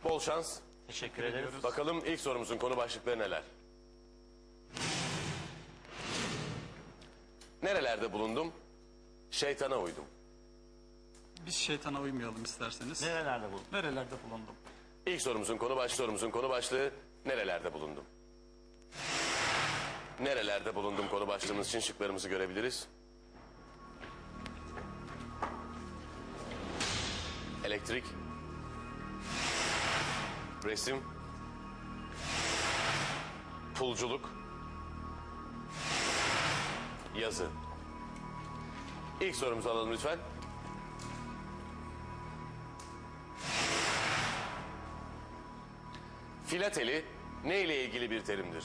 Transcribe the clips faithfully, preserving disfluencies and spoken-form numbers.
Bol şans. Teşekkür ederiz. Bakalım ilk sorumuzun konu başlıkları neler? Nerelerde bulundum? Şeytana uydum. Biz şeytana uymayalım isterseniz. Nerelerde bu? Nerelerde bulundum? İlk sorumuzun konu başlığı, sorumuzun konu başlığı nerelerde bulundum? Nerelerde bulundum konu başlığımız için şıklarımızı görebiliriz. Elektrik, resim, pulculuk, yazı. İlk sorumuzu alalım lütfen. Filateli ne ile ilgili bir terimdir?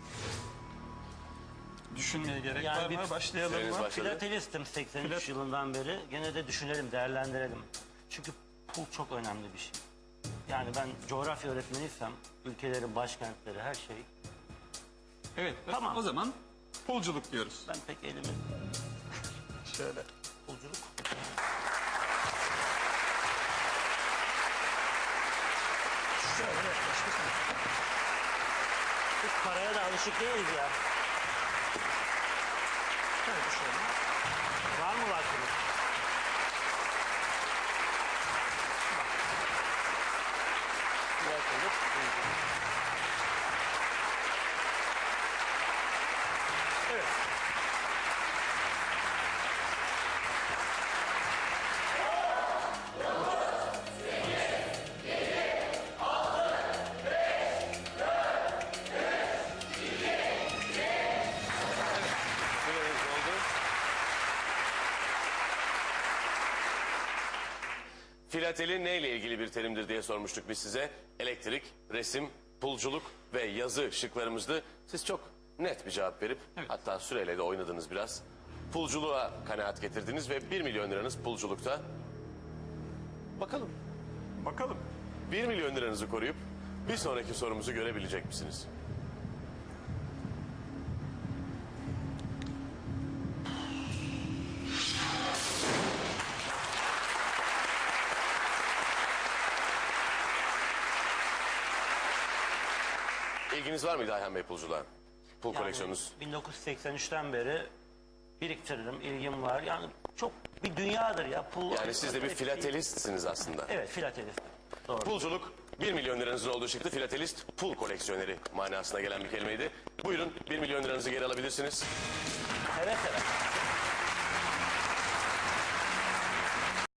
Düşünmeye gerek Yani var bir- mı? Başlayalım Süreniz mı? başladı. Filatelistim seksen üç Filat- yılından beri. Gene de düşünelim, değerlendirelim. Çünkü pul çok önemli bir şey. Yani ben coğrafya öğretmeniysem ülkelerin başkentleri her şey. Evet. Tamam. O zaman pulculuk diyoruz. Ben pek elimi Şöyle. pulculuk. Şöyle yaklaşırsın. Biz paraya da alışık değiliz ya. Şöyle şöyle. Var mı vaktiniz? Filatelist, pulculuk. Evet. Süreniz doldu. Filateli ne ile ilgili bir terimdir diye sormuştuk biz size. Elektrik, resim, pulculuk ve yazı şıklarımızdı. Siz çok net bir cevap verip Evet. hatta süreyle de oynadınız biraz. Pulculuğa kanaat getirdiniz ve bir milyon liranız pulculukta. Bakalım Bakalım. bir milyon liranızı koruyup bir sonraki sorumuzu görebilecek misiniz? İlginiz var mıydı Ayhan Bey pulculuğa? Pul Yani koleksiyonunuz. bin dokuz yüz seksen üçten beri biriktiririm, ilgim var. Yani çok bir dünyadır ya. Pul, Yani siz de bir filatelistsiniz aslında. Evet, filatelist. Doğru. Pulculuk bir milyon liranızın olduğu çıktı. Filatelist pul koleksiyoneri manasına gelen bir kelimeydi. Buyurun bir milyon liranızı geri alabilirsiniz. Evet, evet.